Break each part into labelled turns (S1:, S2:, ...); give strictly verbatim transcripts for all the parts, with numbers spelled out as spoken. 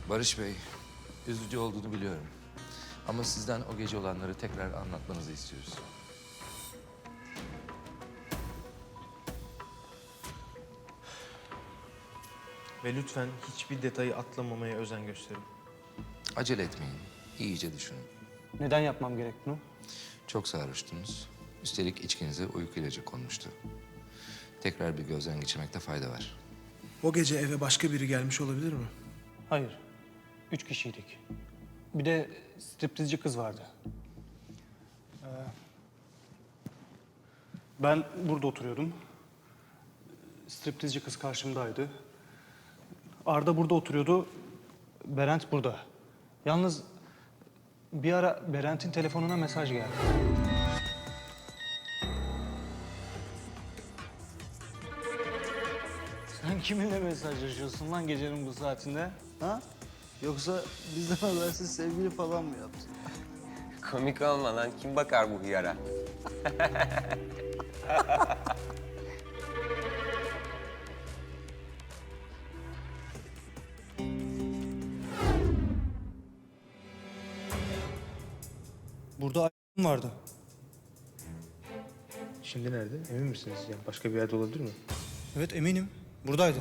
S1: Barış Bey, üzücü olduğunu biliyorum. Ama sizden o gece olanları tekrar anlatmanızı istiyoruz.
S2: Ve lütfen hiçbir detayı atlamamaya özen gösterin.
S1: Acele etmeyin, iyice düşünün.
S3: Neden yapmam gerek bunu?
S1: Çok sarhoştunuz. Üstelik içkinize uyku ilacı konmuştu. Tekrar bir gözden geçirmekte fayda var.
S4: O gece eve başka biri gelmiş olabilir mi?
S3: Hayır. Üç kişiydik. Bir de striptizci kız vardı. Ee, ben burada oturuyordum. Striptizci kız karşımdaydı. Arda burada oturuyordu. Berent burada. Yalnız bir ara Berent'in telefonuna mesaj geldi. Sen kiminle mesajlaşıyorsun lan gecenin bu saatinde?
S5: Ha? Yoksa bizden habersiz sevgili falan mı yaptın?
S6: Komik olma lan. Kim bakar bu hıyara?
S3: Burada a**ım vardı.
S2: Şimdi nerede? Emin misiniz? Yani başka bir yerde olabilir mi?
S3: Evet eminim. Buradaydı.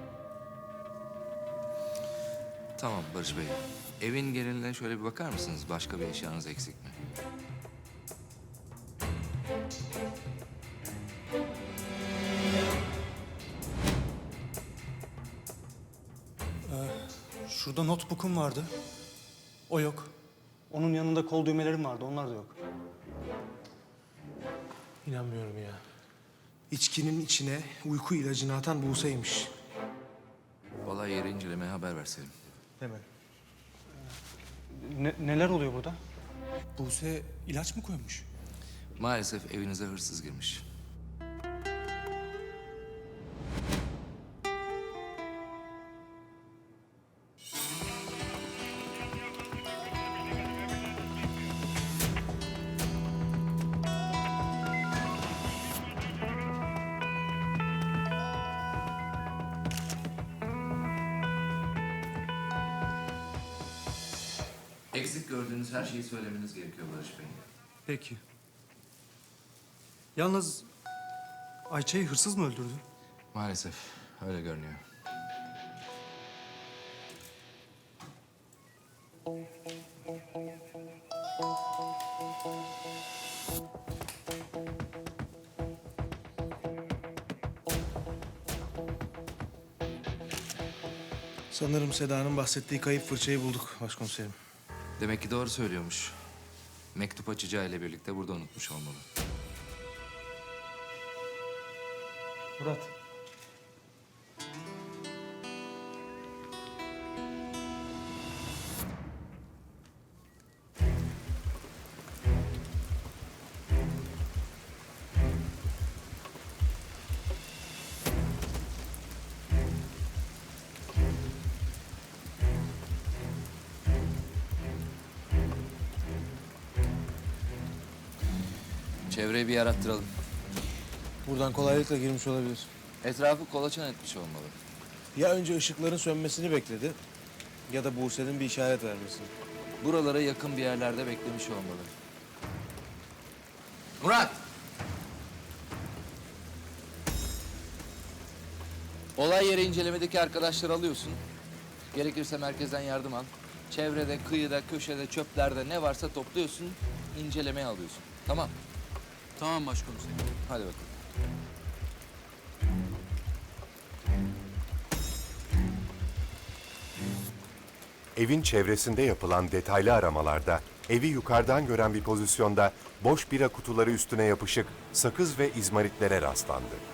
S1: Tamam Barış Bey, evin geneline şöyle bir bakar mısınız? Başka bir eşyanız eksik mi?
S3: Şurada notebook'um vardı. O yok. Onun yanında kol düğmelerim vardı. Onlar da yok.
S2: İnanmıyorum ya.
S4: İçkinin içine uyku ilacını atan Buse'ymiş.
S1: Olay yeri incelemeye haber verselim.
S2: Hemen.
S3: Ne- neler oluyor burada? Buse ilaç mı koymuş?
S1: Maalesef evinize hırsız girmiş. Eksik gördüğünüz her şeyi söylemeniz gerekiyor Barış Bey.
S3: Peki. Yalnız Ayça'yı hırsız mı öldürdü?
S1: Maalesef öyle görünüyor.
S4: Sanırım Seda'nın bahsettiği kayıp fırçayı bulduk başkomiserim.
S1: Demek ki doğru söylüyormuş. Mektup açacağı ile birlikte burada unutmuş olmalı.
S3: Murat.
S1: Çevreyi bir yarattıralım.
S4: Buradan kolaylıkla girmiş olabilir.
S1: Etrafı kolaçan etmiş olmalı.
S4: Ya önce ışıkların sönmesini bekledi ya da Buse'nin bir işaret vermesini.
S1: Buralara yakın bir yerlerde beklemiş olmalı. Murat! Olay yeri incelemedeki arkadaşları alıyorsun. Gerekirse merkezden yardım al. Çevrede, kıyıda, köşede, çöplerde ne varsa topluyorsun, incelemeye alıyorsun. Tamam.
S5: Tamam başkomiserim.
S1: Hadi bakalım.
S7: Evin çevresinde yapılan detaylı aramalarda evi yukarıdan gören bir pozisyonda boş bira kutuları üstüne yapışık sakız ve izmaritlere rastlandı.